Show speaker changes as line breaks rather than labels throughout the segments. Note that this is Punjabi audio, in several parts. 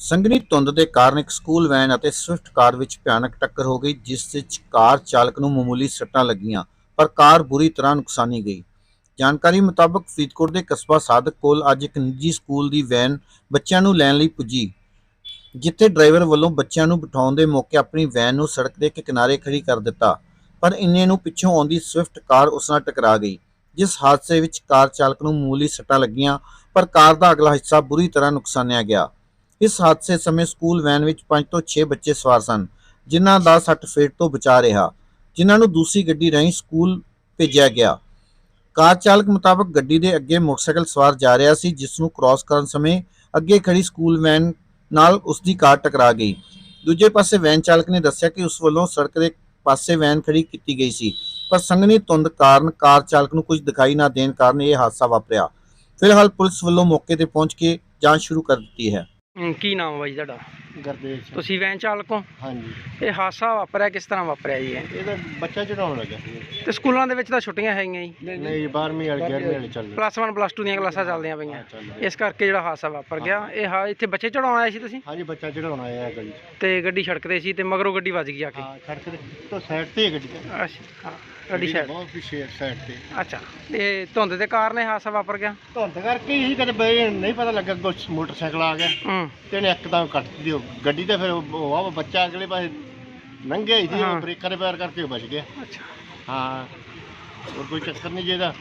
ਸੰਘਣੀ ਧੁੰਦ ਦੇ ਕਾਰਨ ਇੱਕ ਸਕੂਲ ਵੈਨ ਅਤੇ ਸਵਿਫਟ ਕਾਰ ਵਿੱਚ ਭਿਆਨਕ ਟੱਕਰ ਹੋ ਗਈ, ਜਿਸ ਵਿੱਚ ਕਾਰ ਚਾਲਕ ਨੂੰ ਮਾਮੂਲੀ ਸੱਟਾਂ ਲੱਗੀਆਂ, ਪਰ ਕਾਰ ਬੁਰੀ ਤਰ੍ਹਾਂ ਨੁਕਸਾਨੀ ਗਈ। ਜਾਣਕਾਰੀ ਮੁਤਾਬਕ ਫਰੀਦਕੋਟ ਦੇ ਕਸਬਾ ਸਾਦਿਕ ਕੋਲ ਅੱਜ ਇੱਕ ਨਿੱਜੀ ਸਕੂਲ ਦੀ ਵੈਨ ਬੱਚਿਆਂ ਨੂੰ ਲੈਣ ਲਈ ਪੁੱਜੀ, ਜਿੱਥੇ ਡਰਾਈਵਰ ਵੱਲੋਂ ਬੱਚਿਆਂ ਨੂੰ ਬਿਠਾਉਣ ਦੇ ਮੌਕੇ ਆਪਣੀ ਵੈਨ ਨੂੰ ਸੜਕ ਦੇ ਇੱਕ ਕਿਨਾਰੇ ਖੜੀ ਕਰ ਦਿੱਤਾ, ਪਰ ਇੰਨੇ ਨੂੰ ਪਿੱਛੋਂ ਆਉਂਦੀ ਸਵਿਫਟ ਕਾਰ ਉਸ ਨਾਲ ਟਕਰਾ ਗਈ, ਜਿਸ ਹਾਦਸੇ ਵਿੱਚ ਕਾਰ ਚਾਲਕ ਨੂੰ ਮਾਮੂਲੀ ਸੱਟਾਂ ਲੱਗੀਆਂ, ਪਰ ਕਾਰ ਦਾ ਅਗਲਾ ਹਿੱਸਾ ਬੁਰੀ ਤਰ੍ਹਾਂ ਨੁਕਸਾਨਿਆ ਗਿਆ। ਇਸ ਹਾਦਸੇ ਸਮੇਂ ਸਕੂਲ ਵੈਨ ਵਿੱਚ 5 ਤੋਂ 6 ਬੱਚੇ ਸਵਾਰ ਸਨ, ਜਿਨ੍ਹਾਂ ਦਾ ਸੱਟ ਫੇਟ ਤੋਂ ਬਚਾਅ ਰਿਹਾ, ਜਿਨ੍ਹਾਂ ਨੂੰ ਦੂਸਰੀ ਗੱਡੀ ਰਾਹੀਂ ਸਕੂਲ ਭੇਜਿਆ ਗਿਆ। ਕਾਰ ਚਾਲਕ ਮੁਤਾਬਕ ਗੱਡੀ ਦੇ ਅੱਗੇ ਮੋਟਰਸਾਈਕਲ ਸਵਾਰ ਜਾ ਰਿਹਾ ਸੀ, ਜਿਸ ਨੂੰ ਕ੍ਰਾਸ ਕਰਨ ਸਮੇਂ ਅੱਗੇ ਖੜੀ ਸਕੂਲ ਵੈਨ ਨਾਲ ਉਸ ਦੀ ਕਾਰ ਟਕਰਾ ਗਈ। ਦੂਜੇ ਪਾਸੇ ਵੈਨ ਚਾਲਕ ਨੇ ਦੱਸਿਆ ਕਿ ਉਸ ਵੱਲੋਂ ਸੜਕ ਦੇ ਪਾਸੇ ਵੈਨ ਖੜੀ ਕੀਤੀ ਗਈ ਸੀ, ਪਰ ਸੰਘਣੀ ਧੁੰਦ ਕਾਰਨ ਕਾਰ ਚਾਲਕ ਨੂੰ ਕੁਝ ਦਿਖਾਈ ਨਾ ਦੇਣ ਕਾਰਨ ਇਹ ਹਾਦਸਾ ਵਾਪਰਿਆ। ਫਿਲਹਾਲ ਪੁਲਿਸ ਵੱਲੋਂ ਮੌਕੇ ਤੇ ਪਹੁੰਚ ਕੇ ਜਾਂਚ ਸ਼ੁਰੂ ਕਰ ਦਿੱਤੀ ਹੈ।
ਕੀ ਨਾਮ ਹੈ ਜੀ ਤੁਹਾਡਾ?
ਗੁਰਦੇਵ ਸਿੰਘ।
ਤੁਸੀਂ ਵੈਨ ਚਾਲਕ ਹੋ?
ਹਾਂਜੀ,
ਇਹ ਹਾਦਸਾ ਵਾਪਰਿਆ ਕਿਸ ਤਰ੍ਹਾਂ ਵਾਪਰਿਆ ਜੀ?
ਇਹ ਤਾਂ ਬੱਚਾ ਚੜਾਉਣ ਲੱਗਾ ਸੀ।
ਤੇ ਸਕੂਲਾਂ ਦੇ ਵਿੱਚ ਤਾਂ ਛੁੱਟੀਆਂ ਹੈਗੀਆਂ ਜੀ,
ਨਹੀਂ 12ਵੀਂ ਵਾਲੇ 11ਵੀਂ ਵਾਲੇ ਚੱਲ
+1 +2 ਦੀਆਂ ਕਲਾਸਾਂ ਚੱਲਦੀਆਂ ਪਈਆਂ,
ਰਹੇ।
ਇਸ ਕਰਕੇ ਜਿਹੜਾ ਹਾਦਸਾ ਵਾਪਰ ਗਿਆ। ਇਹ ਇੱਥੇ ਬੱਚੇ ਚੜਾਉਣ ਆਏ ਸੀ ਤੁਸੀਂ?
ਹਾਂਜੀ, ਬੱਚਾ ਚੜਾਉਣ ਆਇਆ ਗੱਡੀ 'ਚ।
ਤੇ ਗੱਡੀ ਸੜਕ ਤੇ ਸੀ ਤੇ ਮਗਰੋਂ ਗੱਡੀ ਵੱਜ ਗਈ ਆ ਕੇ?
ਹਾਂ, ਸੜਕ ਦੇ ਤੋਂ ਸਾਈਡ ਤੇ ਹੈ ਗੱਡੀ।
ਅੱਛਾ, ਹਾਂ, ਗੱਡੀ ਸਾਈਡ।
ਬਹੁਤ ਪਿੱਛੇ ਸਾਈਡ ਤੇ।
ਅੱਛਾ, ਤੇ ਧੁੰਦ ਦੇ ਕਾਰਨ ਇਹ ਹਾਦਸਾ ਵਾਪਰ ਗਿਆ?
ਧੁੰਦ ਕਰਕੇ ਹੀ ਕਦੇ ਬਈ ਨਹੀਂ ਪਤਾ ਲੱਗਾ, ਕੁਛ ਮੋਟਰਸਾਈਕਲ ਆ ਗਿਆ ਤੇ ਇਹਨੇ ਇੱਕਦਮ ਕੱਟ ਦਿੱਤੀ ਉਹ ਗੱਡੀ ਤੇ। ਫਿਰ ਉਹ ਬੱਚਾ ਅਗਲੇ ਪਾਸੇ ਲੰਘਿਆ ਹੀ ਸੀ, ਉਹ ਬ੍ਰੇਕਾਂ ਦੇ ਪੈਰ ਕਰਕੇ ਉਹ ਬਚ ਗਿਆ।
ਅੱਛਾ,
ਹਾਂ, ਹੋਰ ਕੋਈ ਚੱਕਰ ਨਹੀਂ। ਜਿਹਦਾ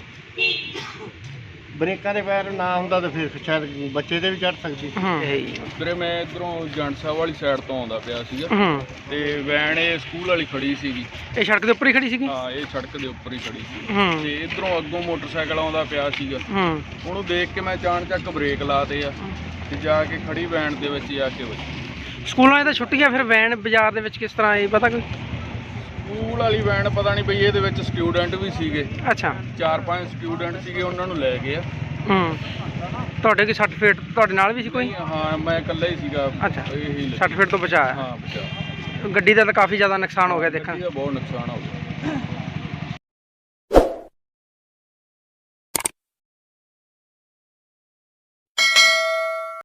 ਬ੍ਰੇਕਾਂ ਦੇ ਪੈਰ ਨਾ ਹੁੰਦਾ ਤਾਂ ਫਿਰ ਸ਼ਾਇਦ ਬੱਚੇ ਤੇ ਵੀ ਚੜ ਸਕਦੀ।
ਵੀਰੇ ਮੈਂ ਇੱਧਰੋਂ ਜੰਡ ਸਾਹਿਬ ਵਾਲੀ ਸਾਈਡ ਤੋਂ ਆਉਂਦਾ ਪਿਆ ਸੀਗਾ, ਤੇ ਵੈਨ ਇਹ ਸਕੂਲ ਵਾਲੀ ਖੜੀ ਸੀਗੀ।
ਇਹ ਸੜਕ ਦੇ ਉੱਪਰ ਹੀ ਖੜੀ ਸੀਗੀ?
ਹਾਂ, ਇਹ ਸੜਕ ਦੇ ਉੱਪਰ ਹੀ ਖੜੀ ਸੀ, ਤੇ ਇੱਧਰੋਂ ਅੱਗੋਂ ਮੋਟਰਸਾਈਕਲ ਆਉਂਦਾ ਪਿਆ ਸੀਗਾ। ਉਹਨੂੰ ਦੇਖ ਕੇ ਮੈਂ ਅਚਾਨਕ ਬ੍ਰੇਕ ਲਾਤੇ ਆ, ਤੇ ਜਾ ਕੇ ਖੜੀ ਵੈਨ ਦੇ ਵਿੱਚ ਆ ਕੇ ਵੱਜੀ।
ਸਕੂਲਾਂ 'ਚ ਤਾਂ ਛੁੱਟੀਆਂ, ਫਿਰ ਵੈਨ ਬਾਜ਼ਾਰ ਦੇ ਵਿੱਚ ਕਿਸ ਤਰ੍ਹਾਂ ਆਈ ਪਤਾ ਕੋਈ?
ਸਕੂਲ ਵਾਲੀ ਵੈਨ ਪਤਾ ਨਹੀਂ ਬਈ, ਇਹਦੇ ਵਿੱਚ ਸਟੂਡੈਂਟ ਵੀ ਸੀਗੇ।
ਅੱਛਾ,
4-5 ਸਟੂਡੈਂਟ ਸੀਗੇ, ਉਹਨਾਂ ਨੂੰ ਲੈ ਗਏ ਆ।
ਤੁਹਾਡੇ ਕੀ ਸਰਟੀਫਿਕੇਟ ਤੁਹਾਡੇ ਨਾਲ ਵੀ ਸੀ ਕੋਈ?
ਹਾਂ, ਮੈਂ ਇਕੱਲਾ ਹੀ ਸੀਗਾ।
ਅੱਛਾ,
ਇਹੀ
ਸਰਟੀਫਿਕੇਟ ਤੋਂ ਬਚਾਇਆ?
ਹਾਂ, ਬਚਾ।
ਗੱਡੀ ਦਾ ਤਾਂ ਕਾਫੀ ਜ਼ਿਆਦਾ ਨੁਕਸਾਨ ਹੋ ਗਿਆ ਦੇਖਾਂ।
ਬਹੁਤ ਨੁਕਸਾਨ ਹੋ ਗਿਆ।